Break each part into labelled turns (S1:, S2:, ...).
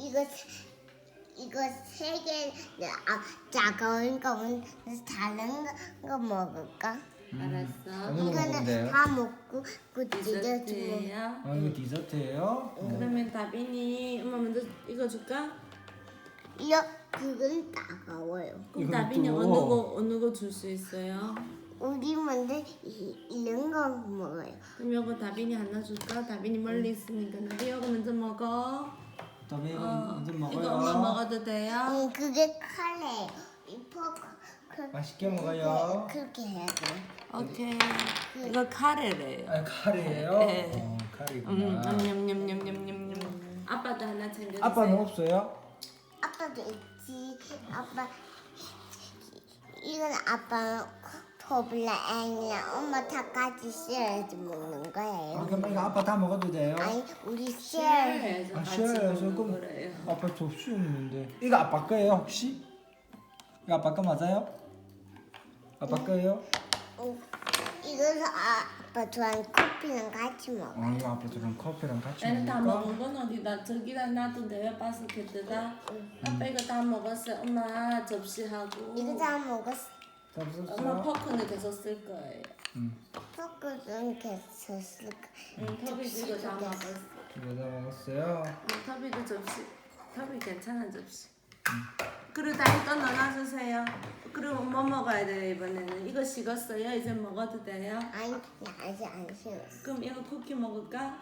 S1: 이거 세 개, 작은 거는 다른 거 먹을까?
S2: 알았어.
S3: 어느 거 먹으면
S1: 이거는
S3: 돼요?
S1: 다 먹고 그 디저트 먹.
S2: 디저트예요.
S3: 이거 디저트예요?
S2: 그러면 다빈이 엄마 먼저 이거 줄까?
S1: 이거 그건 따가워요.
S2: 그럼
S3: 이건
S2: 다빈이
S3: 또-
S2: 어느 거 줄 수 있어요?
S1: 우리 먼저 이런 거 먹어요.
S2: 그럼 이거 다빈이 하나 줄까? 다빈이 멀리 있으니까 나도 이거 먼저 먹어.
S3: 다음에 이제
S2: 이거
S3: 먹어요.
S2: 엄마 먹어도 돼요?
S1: 그게 카레. 이 포크.
S3: 맛있게 먹어요.
S1: 그렇게 해야 돼.
S2: 오케이. 이거 카레래요.
S3: 아, 카레예요?
S2: 네.
S3: 카레구나.
S2: 냠냠냠냠냠냠. 아빠도 하나 챙겨주세요.
S3: 아빠는 없어요?
S1: 아빠도 있지. 아빠 이건 아빠 토블라 아니야. 엄마 다 같이 쉐어해서 먹는 거예요.
S3: 그럼 이거 아빠 다 먹어도 돼요?
S1: 아니 우리 쉐어.
S2: 쉐어해서 같이
S3: 쉐어해서
S2: 먹는
S3: 그럼
S2: 거래요.
S3: 아빠 접시 있는데 이거 아빠 거예요 혹시? 이거 아빠 거 맞아요? 아빠 거예요?
S1: 이거는 아빠 좋아하는 커피랑 같이 먹어.
S3: 이거 아빠처럼 커피랑 같이
S2: 얘는 다
S3: 먹을까?
S2: 먹은 건 어디다? 저기다 놔도 돼요? 바스켓에다? 아빠 이거 다 먹었어요. 엄마 접시하고.
S1: 이거 다 먹었어.
S3: 다
S2: 엄마
S3: 썼어요?
S2: 포크는 계속 쓸 거예요.
S1: 포크는 계속 쓸까.
S2: 터비도 이거 다 먹었어.
S3: 이거 다 먹었어요?
S2: 터비도 접시. 터비 괜찮은 접시. 그리고 다시 또 넣어주세요. 그리고 뭐 먹어야 돼요 이번에는? 이거 식었어요? 이제 먹어도 돼요?
S1: 아니 아직 안 식었어.
S2: 그럼 이거 쿠키 먹을까?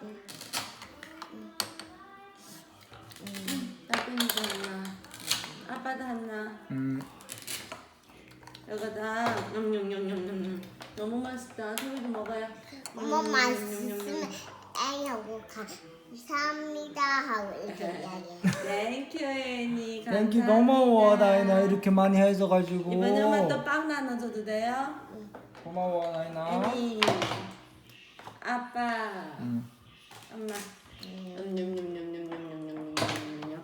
S2: 나쁜이도 하나. 아빠도 하나. 여기다 냠냠냠냠냠. 너무 맛있다. 소리도 먹어요.
S1: 엄마 맛있으면 애하고 감사합니다 하고 이렇게 이야기해.
S2: 땡큐 애니.
S3: 땡큐 고마워 나이나 이렇게 많이 해줘가지고
S2: 이번에 엄마 또 빵 나눠줘도 돼요?
S3: 고마워 나이나
S2: 애니. 아빠. 엄마. 냠냠냠냠냠냠냠냠냠.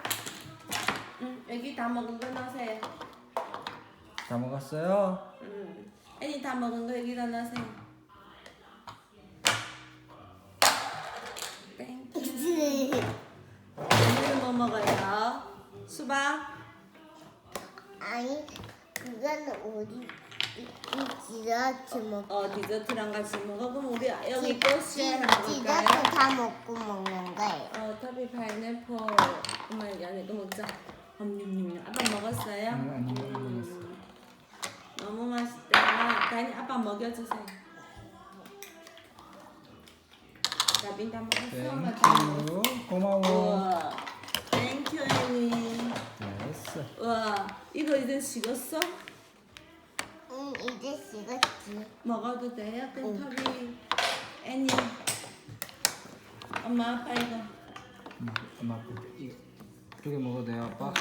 S2: 여기 다 먹은 거 넣으세요.
S3: 다 먹었어요?
S2: 애니 다 먹은 거 여기다 넣으세요. 땡큐. 오늘은 뭐 먹어요? 수박?
S1: 아니 그거는 우리 이 디저트 먹.
S2: 디저트랑 같이 먹어. 그럼 우리 여기 또 쉐어
S1: 디저트
S2: 먹을까요?
S1: 다 먹고 먹는 거예요.
S2: 터비 파인애플. 엄마 여기 안에 거 먹자. 아빠 먹었어요?
S3: 아니 먹었어.
S2: 너무 맛있다. 다니 아빠 먹여주세요. 나빈 다 먹었어? 엄마 다 먹었어?
S3: 땡큐 고마워
S2: 우와. 땡큐 애니.
S3: 됐어
S2: 우와. 이거 이제 식었어?
S1: 응 이제 식었지.
S2: 먹어도 돼요? 그럼 터비 애니. 엄마 아빠 이거.
S3: 엄마 이거 두 개 먹어도 돼요 아빠?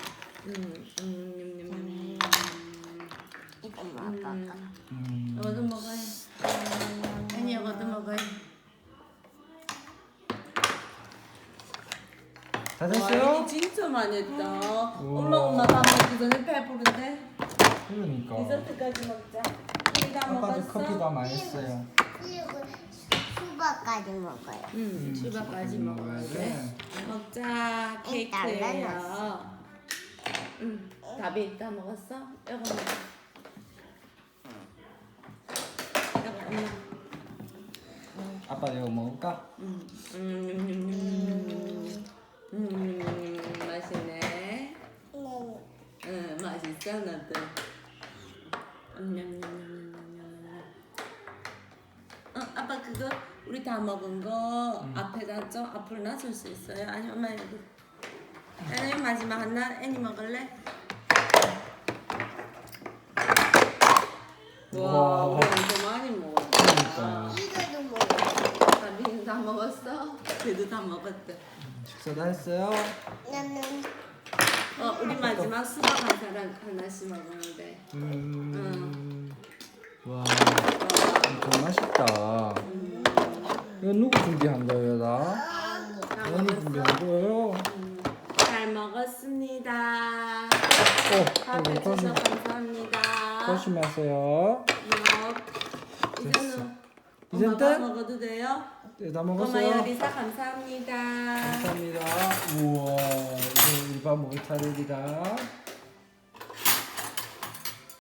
S1: 이거 먹어봐.
S2: 이거도 먹어요. 애니 이거도 먹어요.
S3: 다
S2: 와,
S3: 됐어요?
S2: 애니 진짜 많이 했다. 엄마 밥 먹기 전에 배부른데?
S3: 그러니까
S2: 디저트까지 먹자. 우리 다
S3: 아빠도
S2: 먹었어?
S3: 커피 다 맛있어요
S1: 그리고 수박까지 먹어요.
S2: 수박까지
S3: 먹어야
S2: 먹어야
S3: 돼.
S2: 돼. 먹자. 케이크예요. 답이 있다 먹었어? 이거 먹어. 이거
S3: 아빠 이거 먹을까?
S2: 맛있네. 응, 맛있어 나도. 아빠 그거 우리 다 먹은 거 앞에다 좀 앞으로 놔줄 수 있어요? 아니 엄마 여기. 애니 마지막 하나 애니 먹을래? 와, 우리 엄청 많이 먹었다.
S1: 이거도 먹어.
S2: 다빈이 다 먹었어? 걔도 다 먹었대.
S3: 식사 다 했어요?
S1: 나는
S2: 우리 마지막 수박 한 사람 하나씩 먹었는데.
S3: 와 엄청 맛있다 이거 누구 준비한 거예요 나? 언니 준비한 거예요?
S2: 잘 먹었습니다. 밥해
S3: 이거
S2: 주셔서 감사합니다.
S3: 조심하세요
S2: 이제는
S3: 이젠
S2: 엄마
S3: 끝?
S2: 밥 먹어도 돼요?
S3: 네, 다
S2: 엄마
S3: 먹었어요?
S2: 요리사 감사합니다.
S3: 감사합니다 우와 아빠가 모자르리라.